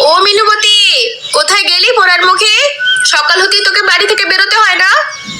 ও মিনুবতী, কোথায় গেলি পোড়ার মুখে? সকাল হতেই তোকে বাড়ি থেকে বেরোতে হয় না?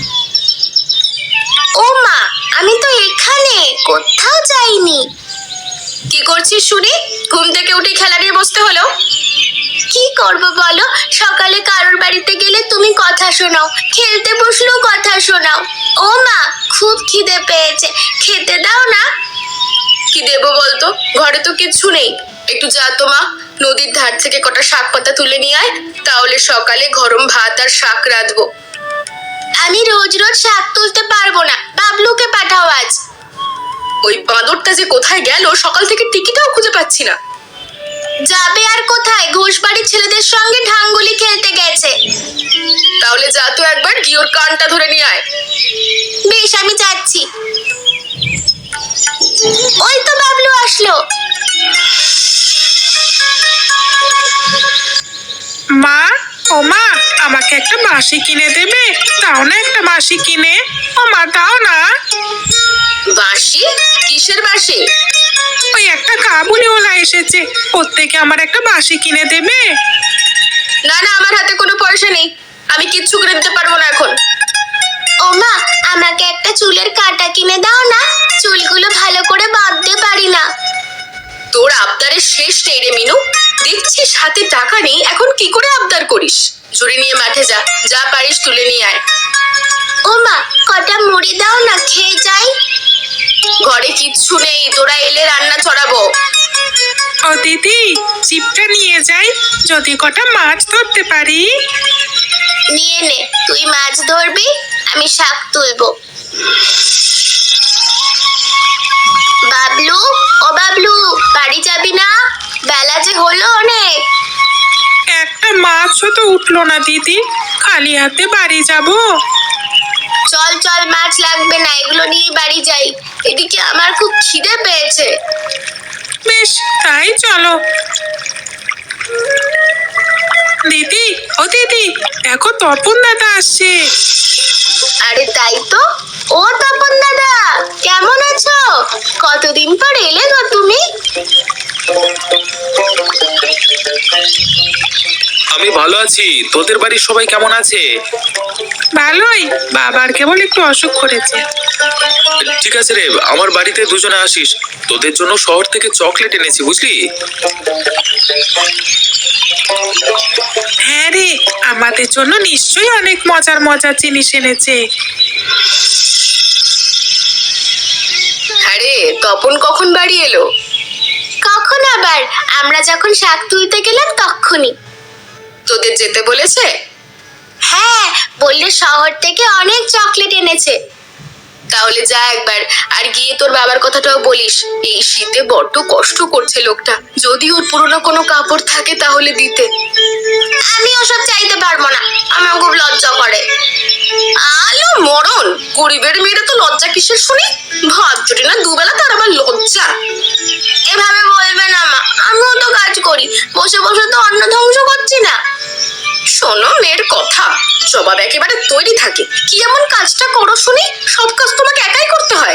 ও মা, আমি তো এখানে, কোথাও যাইনি। কি করছিস শুনি? ঘুম থেকে উঠে খেলা নিয়ে বসতে হলো? কি করব বলো, সকালে কারোর বাড়িতে গেলে তুমি কথা শোনাও, খেলতে বসলেও কথা শোনাও। ও মা, খুব খিদে পেয়েছে, খেতে দাও না। কি দেবো বলতো, ঘরে তো কিচ্ছু নেই। একটু যা তো মা, নদীর ধার থেকে কটা শাক পাতা তুলে নিয়ে আয়, তাহলে সকালে গরম ভাত আর শাক রাঁধবো। আমি রোজ রোজ শাক তুলতে পারবো না, বাবলুকে পাঠাও আজ। ওই বাঁদরটা যে কোথায় গেল, সকাল থেকে টিকিটাও খুঁজে পাচ্ছি না। যাবে আর কোথায়, ঘোষবাড়ির ছেলেদের সঙ্গে ঢাঙ্গুলি খেলতে গেছে। তাহলে যা তো একবার গিয়ে ওর কানটা ধরে নিয়ে আয়। বেশ, আমি যাচ্ছি। ওই তো বাবলু আসলো। মা, ও মা, আমাকে একটা বাঁশি কিনে দেবে? দাও না একটা বাঁশি কিনে। ও মা, দাও না। বাঁশি? কিসের বাঁশি? ওই একটা কাবুলিওয়ালা এসেছে, ওর থেকে আমার একটা বাঁশি কিনে দেবে? না না, আমার হাতে কোনো পয়সা নেই, আমি কিচ্ছু করে দিতে পারবো না এখন। ও মা, আমাকে একটা চুলের কাঁটা কিনে দাও না, চুলগুলো ভালো করে বাঁধতে পারি না। তোর আবদারের শেষ নেই রে মিনু। দেখছিস হাতে টাকা নেই, এখন কি করে আবদার করিস? ঝুড়ি নিয়ে মাঠে যা, যা পারিস তুলে নিয়ে আয়। ও মা, কটা মুড়ি দাও না, খেয়ে যাই। ঘরে কিচ্ছু নেই, তোরা এলে রান্না চড়াবো। ও দিদি, চিপটা নিয়ে যাই, যদি কটা মাছ ধরতে পারি। নিয়ে নে, তুই মাছ ধরবি, আমি শাক তুলবো। বাবলু, ও বাবলু, বাড়ি যাবি না? বেলা যে হলো অনেক। একটা মাছও তো উঠলো না দিদি, খালি হাতে বাড়ি যাব? চল চল, মাছ লাগবে না, এগুলো নিয়ে বাড়ি যাই। এদিকে আমার খুব খিদে পেয়েছে। বেশ, তাই চলো। দিদি, ও দিদি, দেখো তপন দাদা আসছে। আরে তাই তো। ও তপন দাদা, কেমন আছো? কতদিন পর এলে গো তুমি। আমি ভালো আছি, তোদের বাড়ির সবাই কেমন আছে? ভালোই, বাবার কেবল একটু অসুখ করেছে। ঠিক আছে রে, আমার বাড়িতে দুজনে আসিস, তোদের জন্য শহর থেকে চকলেট এনেছি, বুঝলি? হ্যাঁ রে, আমাদের জন্য নিশ্চয়ই অনেক মজার মজার জিনিস এনেছে। হ্যাঁ রে, তপন কখন বাড়ি এলো? কখন আবার? আমরা যখন শাক তুলতে গেলাম তখনই। তোদের যেতে বলেছে? হ্যাঁ, বললে শহর থেকে অনেক চকলেট এনেছে। তাহলে যা একবার, আর গিয়ে তোর বাবার কথাটাও বলিস। এই শীতে বড্ড কষ্ট করছে লোকটা, যদি ওর পুরনো কোনো কাপড় থাকে তাহলে দিতে। আমি ওসব চাইতে পারবো না, আমার খুব লজ্জা করে। আলো মরণ, গরিবের মেয়েরা তো লজ্জা কিসের শুনি? ভাত জুটি না দুবেলা, তার আবার লজ্জা? এভাবে বলবে না মা, আমিও তো কাজ করি, বসে বসে তো অন্ন ধ্বংস করছি না। শোনো, মেয়ের কথা জবাব একেবারে তৈরি থাকে। কি এমন কাজটা করো শুনি? সব কাজ তোমাকে একাই করতে হয়?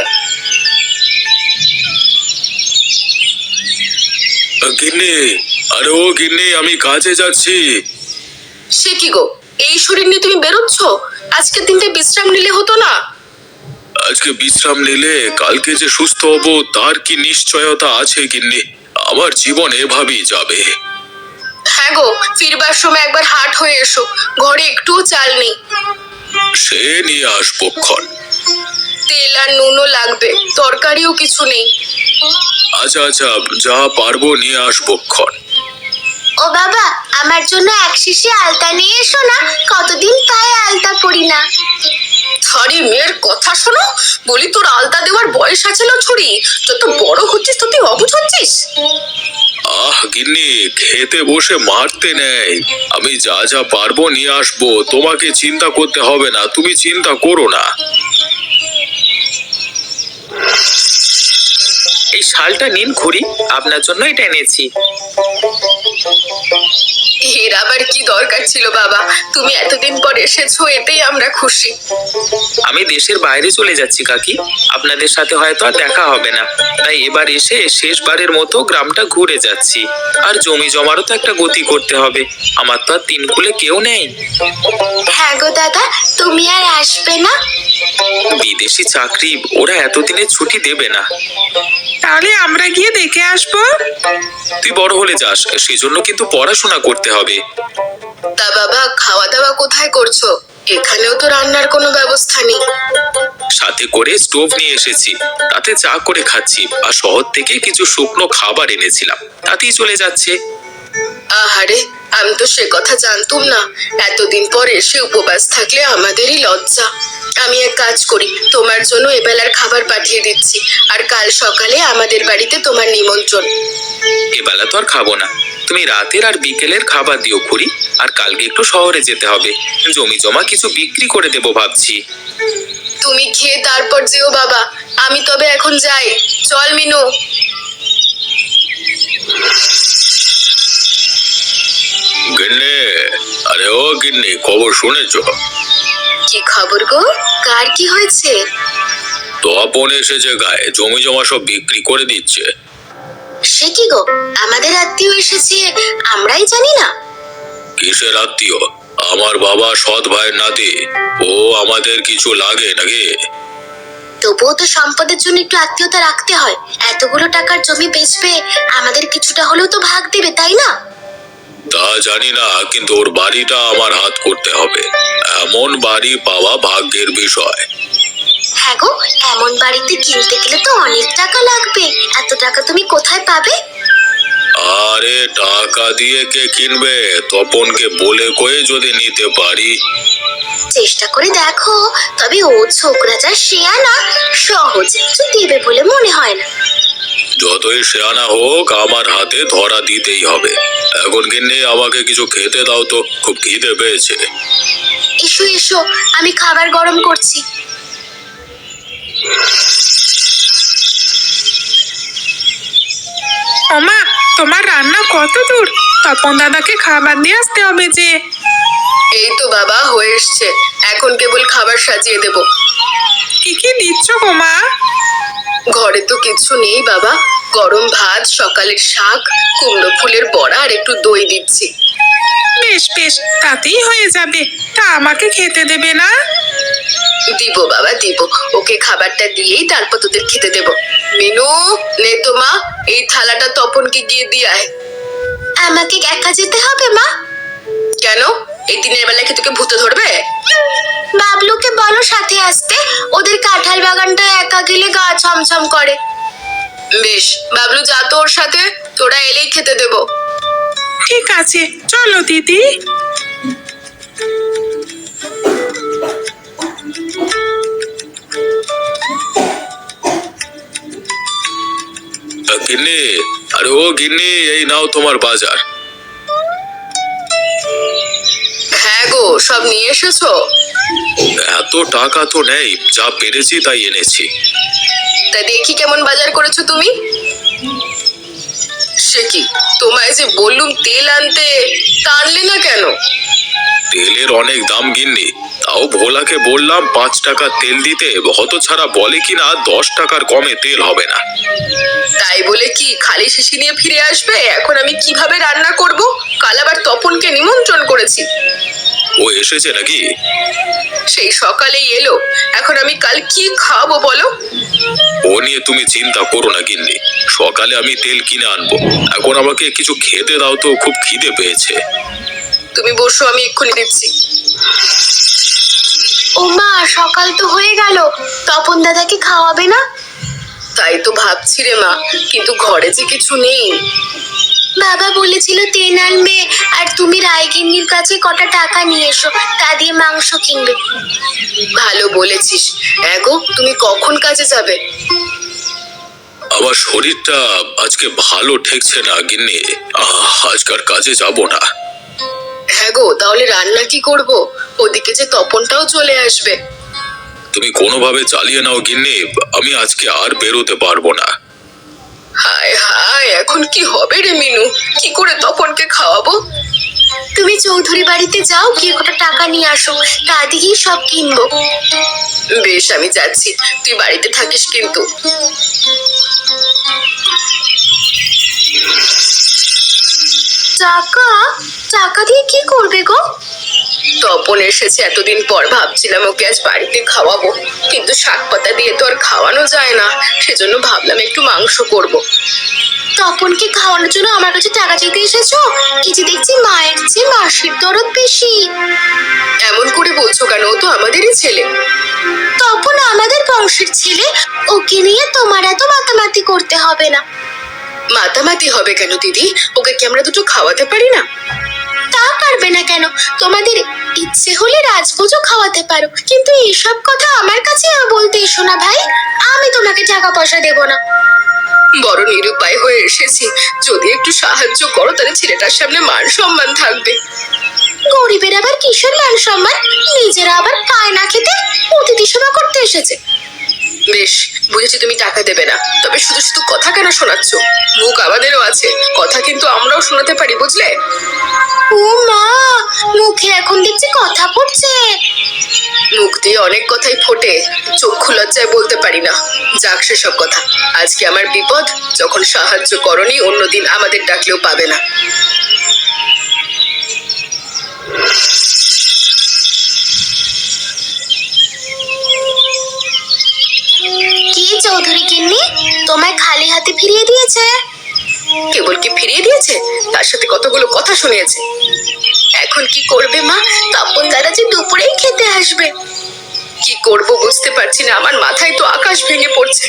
গিন্নি, আরে ও গিন্নি, আমি কাজে যাচ্ছি। সে কি গো, এই শরীর নিয়ে তুমি বেরোচ্ছ? আজকের দিনটা বিশ্রাম নিলে হতো না? আজকে বিশ্রাম নিলে কালকে যে সুস্থ হব তার কি নিশ্চয়তা আছে গিন্নি? আমার জীবন এভাবেই যাবে। হ্যাঁ গো, ফিরবার সময় একবার হাট হয়ে এসো, ঘরে একটুও চাল নেই। সে নিয়ে আসবো ক্ষণ। তেল আর নুনও লাগবে, তরকারিও কিছু নেই। আচ্ছা আচ্ছা, যা পারবো নিয়ে আসবো ক্ষণ। ও বাবা, আমার জন্য এক শিশি আলতা নিয়ে এসো না, কতদিন পায়ে আলতা পরি না। আরে মেয়ের কথা শোনো, বলি তোর আলতা দেওয়ার বয়স আছে না ছুরি? যত বড় হচ্ছিস তো তুই অবুঝ হচ্ছিস। আহ গিন্নি, খেতে বসে মারতে নেই, আমি যা যা পারবো নিয়ে আসবো, তোমাকে চিন্তা করতে হবে না, তুমি চিন্তা করো না। এই শালটা নিন খুড়ি, আপনার জন্য এটা এনেছি। এর আবার কি দরকার ছিল বাবা? তুমি এতদিন পর এসেছো, এতেই আমরা খুশি। আমি দেশের বাইরে চলে যাচ্ছি কাকি, আপনাদের সাথে হয়তো আর দেখা হবে না, তাই এবার এসে শেষবারের মতো গ্রামটা ঘুরে যাচ্ছি। আর জমি জমারও তো একটা গতি করতে হবে, আমার তো আর তিন কুলে কেউ নেই। হ্যাঁ গো দাদা, তুমি আর আসবে না? বিদেশি চাকরি, ওরা এতদিনে ছুটি দেবে না। তাহলে আমরা গিয়ে দেখে আসবো। তুই বড় হলে যাস, সেজন্য কিন্তু পড়াশোনা করতে হবে। তা বাবা, খাওয়া দাওয়া কোথায় করছো? এখানেও তো রান্নার কোনো ব্যবস্থা নেই। সাথে করে স্টোভ নিয়ে এসেছি, তাতে চা করে খাচ্ছি। আর শহর থেকে কিছু শুকনো খাবার এনেছিলাম, তাতেই চলে যাচ্ছে। আহারে, আমি তো সে কথা জানতুম না। এতদিন পর এসে উপবাস থাকলে আমাদেরই লজ্জা। আমি এক কাজ করি, তোমার জন্য এবেলার খাবার পাঠিয়ে দিচ্ছি। আর কাল সকালে আমাদের বাড়িতে তোমার নিমন্ত্রণ। এবেলা তো আর খাবো না, তুমি রাতের আর বিকেলের খাবার দিও খুড়ি। আর কালকে একটু শহরে যেতে হবে, জমি জমা কিছু বিক্রি করে দেবো ভাবছি। তুমি খেয়ে তারপর যেও বাবা। আমি তবে এখন যাই। চল মিনু। গিন্নি, আরে ও গিন্নি, খবর শুনেছো? কি খবর গো? কার কি হয়েছে? তপন এসেছে গায়ে, জমি জমা সব বিক্রি করে দিচ্ছে। সে কি গো, আমাদের আত্মীয় এসেছে, আমরাই জানি না? কিসের আত্মীয়? আমার বাবা সৎ ভাইয়ের নাতি। ও আমাদের কিছু লাগে নাকি? তবুও তো সম্পদের জন্য একটু আত্মীয়তা রাখতে হয়। এতগুলো টাকার জমি বেচবে, আমাদের কিছুটা হলেও তো ভাগ দেবে, তাই না? তা জানি না, কিন্তু ওর বাড়িটা আমার হাত করতে হবে। এমন বাড়ি পাওয়া ভাগ্যের বিষয়। হ্যাঁ গো, এমন বাড়িতে কিনতে গেলে তো অনেক টাকা লাগবে। এত টাকা তুমি কোথায় পাবে? আরে টাকা দিয়ে কে কিনবে? তপনকে বলে কয়ে যদি নিতে পারি। চেষ্টা করে দেখো, তবে ও ছোকরা যা শেয়ানা, সহজে তো দেবে বলে মনে হয় না। যতই শেয়ানা হোক, আমার হাতে ধরা দিতেই হবে। এখন গিন্নি, আমাকে কিছু খেতে দাও তো, খুব খিদে পেয়েছে। এসো এসো, আমি খাবার গরম করছি। ওমা, তোমার রান্না কত দূর? তপন দাদাকে খাবার দিয়ে আসতে হবে যে। এই তো বাবা, হয়ে এসছে। এখন কেবল খাবার সাজিয়ে দেব। কি কি দিচ্ছ গো মা? ঘরে তো কিছু নেই বাবা। গরম ভাত, সকালের শাক, কুমড়ো ফুলের বড়া আর একটু দই দিচ্ছি। বেশ বেশ, তাতেই হয়ে যাবে। তা আমাকে খেতে দেবে না? দিব বাবা, দিব। ওকে খাবারটা দিয়েই তারপর তোদের খেতে দেব। মিনু, নে তো মা, এই থালাটা তপনকে গিয়ে দিয়ে আয়। আমাকে একা যেতে হবে মা? কেন? এই দিনের বেলা কি তোকে ভূতে ধরবে? বাবলুকে বলো সাথে আসতে, ওদের কাঁঠাল বাগানটা একা গেলে গা ছমছম করে। বেশ, বাবলু যা তো ওর সাথে, তোরা এলেই খেতে দেব। ঠিক আছে, চলো দিদি। গিন্নি, আরে ও গিন্নি, এই নাও তোমার বাজার। হ্যাঁ গো, সব নিয়ে এসেছো? এত টাকা তো নেই, যা পেরেছি তাই এনেছি। তা দেখি কেমন বাজার করেছো তুমি। সে কি, তোমায় যে বললুম তেল আনতে, তা আনলে না কেন? তেলের অনেক দাম গিন্নি, তাও ভোলাকে বললাম 5 টাকা তেল দিতে, হতছাড়া বলে কিনা 10 টাকার কমে তেল হবে না। তাই বলে কি খালি শিশি নিয়ে ফিরে আসবে? এখন আমি কিভাবে রান্না করব? কাল আবার তপনকে নিমন্ত্রণ করেছি। ও এসেছে নাকি? সেই সকালেই এলো, এখন আমি কাল কি খাবো বলো? ও নিয়ে তুমি চিন্তা করো না গিন্নি, সকালে আমি তেল কিনে আনবো। এখন আমাকে কিছু খেতে দাও তো, খুব খিদে পেয়েছে। তুমি বসো, আমি এক্ষুনি দিচ্ছি। ও মা, সকাল তো হয়ে গেল, তপন দাদাকে খাওয়াবে না? তাই তো ভাবছি রে মা, কিন্তু ঘরে যে কিছু নেই। বাবা বলেছিল তেল আনবে, আর তুমি রায়গিন্নির কাছে কটা টাকা নিয়ে এসো, তা দিয়ে মাংস কিনবে। ভালো বলেছিস। এগো, তুমি কখন কাজে যাবে? আমার শরীরটা আজকে ভালো ঠেকছে না গিন্নি, আজকার কাজে যাব না। হ্যাঁ গো, তাহলে রান্না কি করব? ওদিকে যে তপনটাও চলে আসবে। তুমি কোনোভাবে চালিয়ে নাও গিন্নি, আমি আজকে আর বেরোতে পারবো না। হায় হায়, এখন কি হবে রে মিনু? কি করে তপনকে খাওয়াবো? তুমি চৌধুরী বাড়িতে যাও, গিয়ে কটা টাকা নিয়ে আসো, তা দিয়েই সব কিনবো। বেশ, আমি যাচ্ছি, তুই বাড়িতে থাকিস কিন্তু। টাকা? টাকা দিয়ে কি করবে গো? তপন এসেছে এতদিন পর, ভাবছিলাম ওকে আজ বাড়িতে খাওয়াবো, কিন্তু শাক পাতা দিয়ে তো আর খাওয়ানো যায় না, সেজন্য ভাবলাম একটু মাংস করব। তপনকে খাওয়ানোর জন্য আমার কাছে টাকা চাইতে এসেছো? এই যে দেখছি মায়ের চেয়ে মাসির দরদ বেশি। এমন করে বলছো কেন? ও তো আমাদেরই ছেলে। তপন আমাদের বংশের ছেলে, ওকে নিয়ে তোমার এত মাতামাতি করতে হবে না। মাতামাতি হবে কেন দিদি? ওকে কি আমরা দুটো খাওয়াতে পারি না? তা পারবে না কেন? তোমাদের ইচ্ছে হলে রাজভোজও খাওয়াতে পারো, কিন্তু এইসব কথা আমার কাছে বলতে এসো না ভাই। আমি তোমাকে টাকা পয়সা দেব না। বড় নিরুপায় হয়ে এসেছি, যদি একটু সাহায্য করো তাহলে ছেলেটার সামনে মান সম্মান থাকবে। গরিবের আবার কিসের মান সম্মান? নিজেরা আবার পায় না খেতে, অতিথি সেবা করতে এসেছে। বেশ, বুঝেছি তুমি টাকা দেবে না, তবে শুধু শুধু কথা কেন শোনাচ্ছ? মুখ আমাদেরও আছে, কথা কিন্তু আমরাও শোনাতে পারি, বুঝলে? ও মা, মুখে এখন দেখছি কথা পড়ছে। মুখ দিয়ে অনেক কথাই ফোটে, চক্ষু লজ্জায় বলতে পারি না। যাক সেসব কথা, আজকে আমার বিপদ, যখন সাহায্য করনি অন্যদিন আমাদের ডাকলেও পাবে না। কি চৌধুরী গিন্নি, তোমায় খালি হাতে ফিরিয়ে দিয়েছে? কেবল কি ফিরিয়ে দিয়েছে, তার সাথে কতগুলো কথা শুনিয়েছে। এখন কি করবে মা? তপন দাদা যে দুপুরেই খেতে আসবে। কি করব বুঝতে পারছি না, আমার মাথায় তো আকাশ ভেঙে পড়ছে।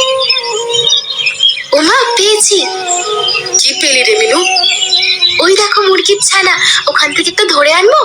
ও মা, পেয়েছি। কি পেলি রে মিনু? ওই দেখো মুরগির ছানা, ওখান থেকে তো ধরে আনবো।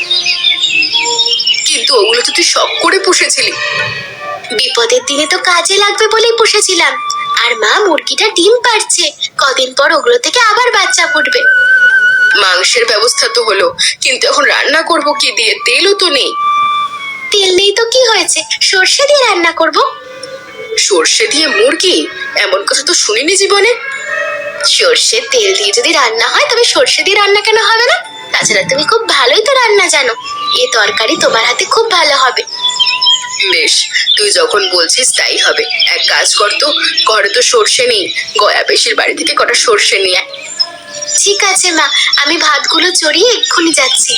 কিন্তু ওগুলো তো তুই শখ করে পুষেছিলি। বিপদের দিনে তো কাজে লাগবে বলেই পুষেছিলাম। আর মা, মুরগিটা ডিম পাড়ছে, কদিন পর ওগুলো থেকে আবার বাচ্চা ফুটবে। মাংসের ব্যবস্থা তো হলো, কিন্তু এখন রান্না করব কি দিয়ে? তেলও তো নেই। তেল নেই তো কি হয়েছে, সর্ষে দিয়ে রান্না করব। সর্ষে দিয়ে মুরগি? এমন কথা তো শুনিনি জীবনে। সর্ষের তেল দিয়ে যদি রান্না হয়, তবে সর্ষে দিয়ে রান্না কেন হবে না? তাছাড়া তুমি খুব ভালোই তো রান্না জানো, এ তরকারি তোমার হাতে খুব ভালো হবে। বেশ, তুই যখন বলছিস তাই হবে। এক কাজ কর তো, ঘরে তো সর্ষে নেই, গয়া পেশির বাড়ি থেকে কটা সর্ষে নিয়ে আয়। ঠিক আছে মা, আমি ভাতগুলো চড়িয়ে এক্ষুনি যাচ্ছি।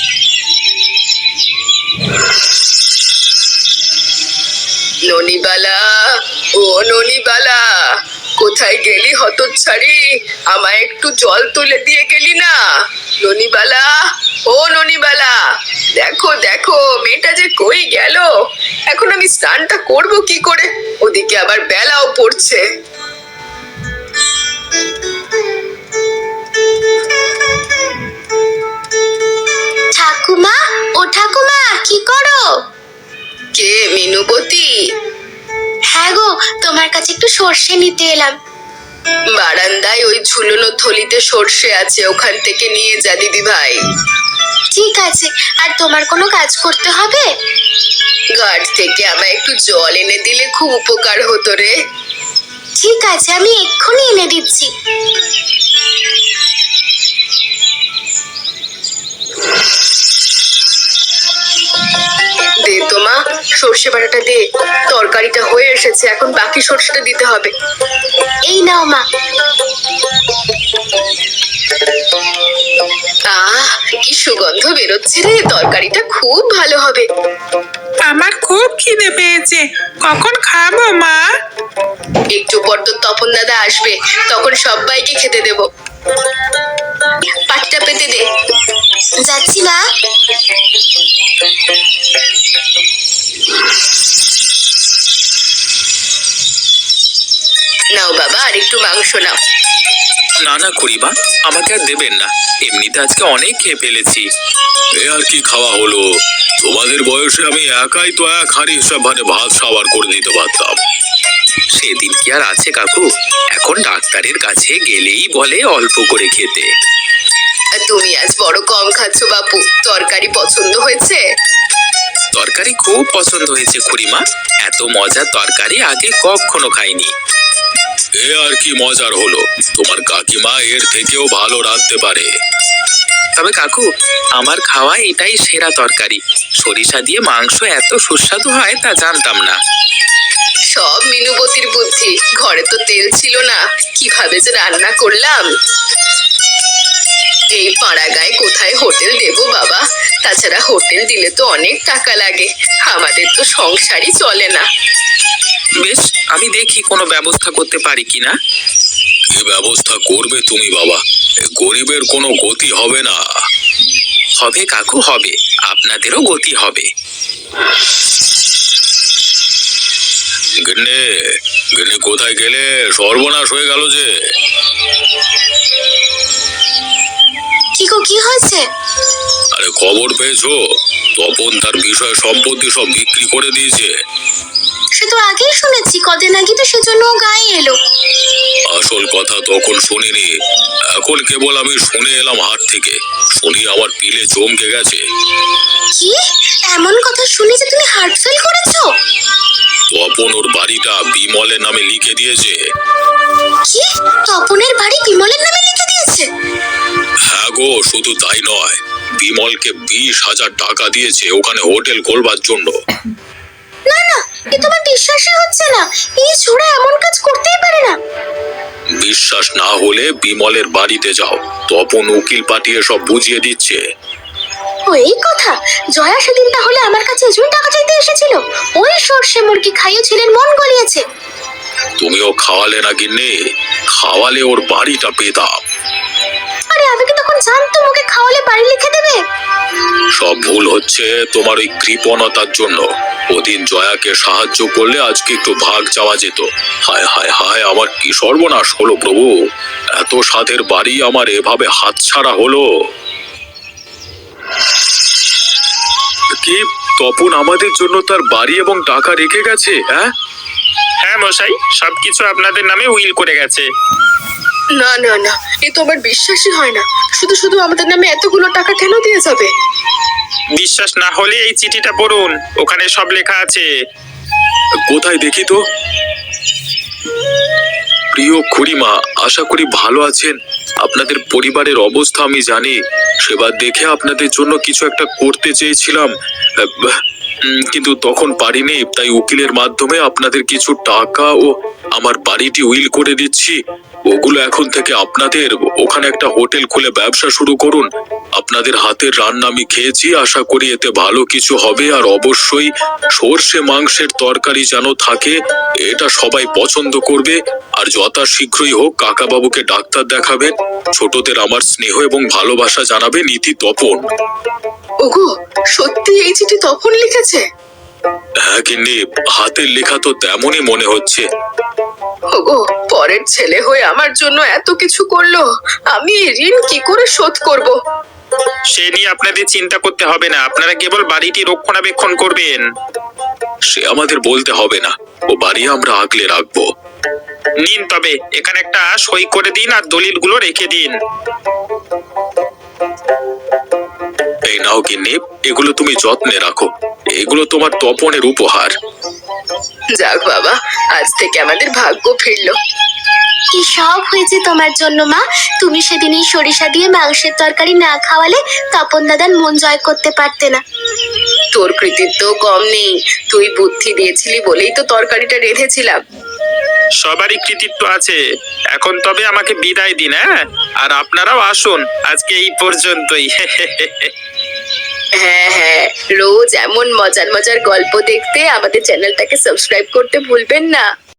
ননিবালা, ও ননিবালা, কোথায় গেলি হতচ্ছাড়ি? আমায় একটু জল তুলে দিয়ে গেলি না? ননিবালা, ও ননিবালা, দেখো দেখো মেয়েটা যে কই গেল। এখন আমি স্নানটা করব কি করে? ওদিকে আবার বেলাও পড়ছে। ঠাকুমা, ও ঠাকুমা, কি করো? কে মিনুবতী? হ্যাঁ গো, তোমার কাছে একটু সর্ষে নিতে এলাম। বারান্দায় ওই ঝুলনো থলিতে সর্ষে আছে, ওখান থেকে নিয়ে যা দিদি ভাই। ঠিক আছে, আর তোমার কোনো কাজ করতে হবে? ঘাট থেকে আমায় একটু জল এনে দিলে খুব উপকার হতো রে। ঠিক আছে, আমি এক্ষুনি এনে দিচ্ছি। দে তো মা, সর্ষে বাটাটা দে। তরকারিটা হয়ে এসেছে, এখন বাকি সর্ষেটা দিতে হবে। এই নাও মা। আহ, কি সুগন্ধ বেরোচ্ছে রে, তরকারিটা খুব ভালো হবে। আমার খুব খিদে পেয়েছে, কখন খাবো মা? একটু পর তো তপন দাদা আসবে, তখন সবাইকে খেতে দেব। পাটটা পেতে দে। যাচ্ছি মা। নাও বাবা, আর একটু মাংস নাও। না না খুড়িমা, আমাকে আর দেবেন না, এমনিতে আজকে অনেক খেয়ে ফেলেছি। এ আর কি খাওয়া হলো? তোমাদের বয়সে আমি একাই তো এক হাঁড়ি হিসাব মানে ভাত সাবার করে দিতে পারতাম। সেদিন কি আর আছে কাকু, এখন ডাক্তারের কাছে গেলেই বলে অল্প করে খেতে। আর তুমি আজ বড় কম খাচ্ছ বাপু, তরকারি পছন্দ হয়েছে? তরকারি খুব পছন্দ হয়েছে খুড়িমা, এত মজার তরকারি আগে কখনো খাইনি। এ আর কি মজার হলো, তোমার কাকিমা এর থেকেও ভালো রাঁধতে পারে। তবে কাকু, আমার খাওয়া এটাই সেরা তরকারি। সরিষা দিয়ে মাংস এত সুস্বাদু হয় তা জানতাম না। সব মিনুবতির বুদ্ধি, ঘরে তো তেল ছিল না, কিভাবে যে রান্না করলাম। এই পাড়া গায়ে কোথায় হোটেল দেবো বাবা? তাছাড়া হোটেল দিলে তো অনেক টাকা লাগে, আমাদের তো সংসারই চলে না। বেশ, আমি দেখি কোনো ব্যবস্থা করতে পারি কিনা। কি ব্যবস্থা করবে তুমি বাবা? এ গরিবের কোনো গতি হবে না। হবে কাকু, হবে, আপনাদেরও গতি হবে। গিন্নি, গিন্নি কোথায় গেলে? সর্বনাশ হয়ে গেল যে। কি গো, কি হয়েছে? আরে খবর পেয়েছো? তপন তার বিষয় সম্পত্তি সব বিক্রি করে দিয়েছে। সে তো আগেই শুনেছি, কদিন আগে তো সেজন্য ও গায়ে এলো। আসল কথা তখন শুনিনি, এখন কেবল আমি শুনে এলাম হাট থেকে। শুনি আমার পিলে চমকে গেছে। কি এমন কথা শুনে যে তুমি হার্ট ফেল করেছো? তপন ওর বাড়িটা বিমলের নামে লিখে দিয়েছে। কি, তপনের বাড়ি বিমলের নামে লিখে দিয়েছে? হ্যাঁ গো, শুধু তাই নয়, বিমলকে 20,000 টাকা দিয়েছে ওখানে হোটেল করবার জন্য। না না, এ তোমার বিশ্বাসই হচ্ছে না। এই ছোড়া এমন কাজ করতেই পারে না। বিশ্বাস না হলে বিমলের বাড়িতে যাও, তপন উকিল পাঠিয়ে সব বুঝিয়ে দিচ্ছে। ও এই কথা! জয়া সেদিন তাহলে আমার কাছে এজন্য টাকা চাইতে এসেছিল। ওই সর্ষে মুরগি খাইয়ে ছেলের মন গলিয়েছে। তুমিও খাওয়ালে না গিন্নি, খাওয়ালে ওর বাড়িটা পেতাম। আরে আমি কি তখন জানতাম ওকে খাওয়ালে বাড়ি লিখে দেবে? সব ভুল হচ্ছে তোমার ওই কৃপণতার জন্য। ওদিন জয়াকে সাহায্য করলে আজকে একটু ভাগ চাওয়া যেত। হায় হায় হায়, আমার কি সর্বনাশ হলো প্রভু! এত সাধের বাড়ি আমার এভাবে হাতছাড়া হলো। কি, তপন আমাদের জন্য তার বাড়ি এবং টাকা রেখে গেছে? হ্যাঁ হ্যাঁ মশাই, সবকিছু আপনাদের নামে উইল করে গেছে। না না না, এ তো আমার বিশ্বাসই হয় না। শুধু শুধু আমাদের নামে এতগুলো টাকা কেন দিয়ে যাবে? বিশ্বাস না হলে এই চিঠিটা পড়ুন, ওখানে সব লেখা আছে। কোথায় দেখি তো। প্রিয় খুড়িমা, আশা করি ভালো আছেন। আপনাদের পরিবারের অবস্থা আমি জানি। সেবার দেখে আপনাদের জন্য কিছু একটা করতে চেয়েছিলাম, কিন্তু তখন পারিনি। তাই উকিলের মাধ্যমে আপনাদের কিছু টাকা ও আমার বাড়িটি উইল করে দিচ্ছি। ওগুলো এখন থেকে আপনাদের। ওখানে একটা হোটেল খুলে ব্যবসা শুরু করুন। আপনাদের হাতের রান্না আমি খেয়েছি, আশা করি এতে ভালো কিছু হবে। আর অবশ্যই সর্ষে মাংসের তরকারি যেন থাকে, এটা সবাই পছন্দ করবে। আর যথাশীঘ্রই হোক কাকাবাবুকে ডাক্তার দেখাবেন। ছোটদের আমার স্নেহ এবং ভালোবাসা জানাবেন, ইতি তপন। ওগো, সত্যি এই চিঠি তপন লিখেছে? হ্যাঁ গিন্নি, হাতের লেখা তো তেমনই মনে হচ্ছে। ওগো, পরের ছেলে হয়ে আমার জন্য এত কিছু করলো, আমি এই ঋণ কি করে শোধ করব? সে নিয়ে আপনাদের চিন্তা করতে হবে না, আপনারা কেবল বাড়িটি রক্ষণাবেক্ষণ করবেন। সে আমাদের বলতে হবে না, ও বাড়ি আমরা আগলে রাখবো। নিন, তবে এখানে একটা সই করে দিন আর দলিলগুলো রেখে দিন। এই নাও গিন্নি, এগুলো তুমি যত্নে রাখো। এগুলো তোমার তপনের উপহার। যাক বাবা, আজ থেকে আমাদের ভাগ্য ফিরলো। কি সব হয়েছে তোমার জন্য মা। তুমি সেদিন এই সরিষা দিয়ে মাংসের তরকারি না খাওয়ালে তপন দাদার মন জয় করতে পারতে না। তোর কৃতিত্ব কম নেই, তুই বুদ্ধি দিয়েছিলি বলেই তো তরকারিটা রেঁধেছিলাম। সবারই কৃতিত্ব আছে। এখন তবে আমাকে বিদায় দিন, হ্যাঁ? আর আপনারাও আসুন, আজকে এই পর্যন্তই। হ্যাঁ হ্যাঁ, রোজ এমন মজার মজার গল্প দেখতে আমাদের চ্যানেলটাকে সাবস্ক্রাইব করতে ভুলবেন না।